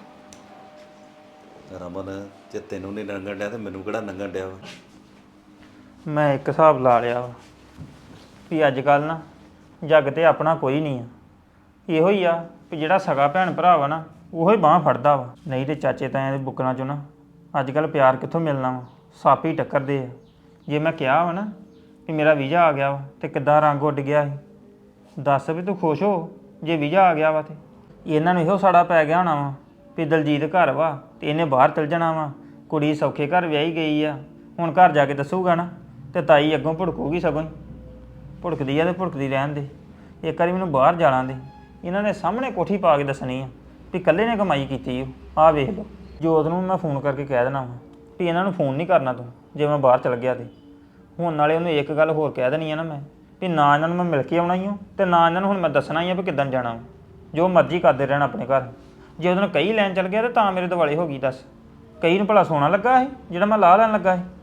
[SPEAKER 3] ਰਮਨ ਜੇ ਤੈਨੂੰ ਨਹੀਂ ਲੰਘਣ ਡਿਆ ਤੇ ਮੈਨੂੰ ਕਿਹੜਾ ਲੰਘਣ ਡਿਆ ਵਾ?
[SPEAKER 2] ਮੈਂ ਇੱਕ ਹਿਸਾਬ ਲਾ ਲਿਆ ਵਾ ਵੀ ਅੱਜ ਕੱਲ ਨਾ ਜੱਗ ਤੇ ਆਪਣਾ ਕੋਈ ਨਹੀਂ ਆ। ਇਹੋ ਹੀ ਆ ਵੀ ਜਿਹੜਾ ਸਗਾ ਭੈਣ ਭਰਾ ਵਾ ਨਾ ਉਹੋ ਹੀ ਬਾਂਹ ਫੜਦਾ ਵਾ। ਨਹੀਂ ਤੇ ਚਾਚੇ ਤਾਇਆਂ ਦੇ ਬੁੱਕਰਾਂ 'ਚੋਂ ਨਾ ਅੱਜ ਕੱਲ ਪਿਆਰ ਕਿੱਥੋਂ ਮਿਲਣਾ ਵਾ, ਸੱਪ ਹੀ ਟੱਕਰਦੇ ਆ। ਜੇ ਮੈਂ ਕਿਹਾ ਵਾ ਨਾ ਵੀ ਮੇਰਾ ਵੀਜ਼ਾ ਆ ਗਿਆ ਵਾ ਤੇ ਕਿੱਦਾਂ ਰੰਗ ਉੱਡ ਗਿਆ ਸੀ, ਦੱਸ ਵੀ ਤੂੰ ਖੁਸ਼ ਹੋ ਜੇ ਵੀਜ਼ਾ ਆ ਗਿਆ ਵਾ। ਤੇ ਇਹਨਾਂ ਨੂੰ ਇਹੋ ਸਾੜਾ ਪੈ ਗਿਆ ਹੋਣਾ ਵਾ ਵੀ ਦਲਜੀਤ ਘਰ ਵਾ ਤੇ ਇਹਨੇ ਬਾਹਰ ਚਲ ਜਾਣਾ ਵਾ। ਕੁੜੀ ਸੌਖੇ ਘਰ ਵਿਆਹੀ ਗਈ ਆ, ਹੁਣ ਘਰ ਜਾ ਕੇ ਦੱਸੂਗਾ ਨਾ ਤੇ ਤਾਈ ਅੱਗੋਂ ਭੁੜਕੂਗੀ। ਸਗੋਂ ਹੀ ਭੁੜਕਦੀ ਆ ਤੇ ਭੁੜਕਦੀ ਰਹਿਣ ਦੇ। ਇੱਕ ਵਾਰੀ ਮੈਨੂੰ ਬਾਹਰ ਜਾਣਾ ਦੇ, ਇਹਨਾਂ ਨੇ ਸਾਹਮਣੇ ਕੋਠੀ ਪਾ ਕੇ ਦੱਸਣੀ ਆ ਵੀ ਇਕੱਲੇ ਨੇ ਕਮਾਈ ਕੀਤੀ ਉਹ। ਆਹ ਵੇਖ ਲਓ, ਜੋਤ ਨੂੰ ਮੈਂ ਫੋਨ ਕਰਕੇ ਕਹਿ ਦੇਣਾ ਵਾ ਵੀ ਇਹਨਾਂ ਨੂੰ ਫੋਨ ਨਹੀਂ ਕਰਨਾ ਤੂੰ ਜੇ ਮੈਂ ਬਾਹਰ ਚਲ ਗਿਆ ਤੇ। ਹੁਣ ਨਾਲੇ ਉਹਨੂੰ ਇੱਕ ਗੱਲ ਹੋਰ ਕਹਿ ਦੇਣੀ ਆ ਨਾ ਮੈਂ ਵੀ ਨਾ ਇਹਨਾਂ ਨੂੰ ਮੈਂ ਮਿਲ ਕੇ ਆਉਣਾ ਹੀ ਹਾਂ ਤੇ ਨਾ ਇਹਨਾਂ ਨੂੰ ਹੁਣ ਮੈਂ ਦੱਸਣਾ ਹੀ ਆ ਵੀ ਕਿੱਦਾਂ ਜਾਣਾ ਵਾ। ਜੋ ਮਰਜ਼ੀ ਕਰਦੇ ਰਹਿਣ ਆਪਣੇ ਘਰ। ਜੇ ਉਹਦੇ ਨਾਲ ਕਈ ਲੈਣ ਚਲ ਗਿਆ ਤੇ ਤਾਂ ਮੇਰੇ ਦੁਆਲੇ ਹੋ ਗਈ। ਦੱਸ ਕਈ ਨੂੰ ਭਲਾ ਸੋਨਾ ਲੱਗਾ ਸੀ ਜਿਹੜਾ ਮੈਂ ਲਾਹ ਲੈਣ ਲੱਗਾ ਸੀ?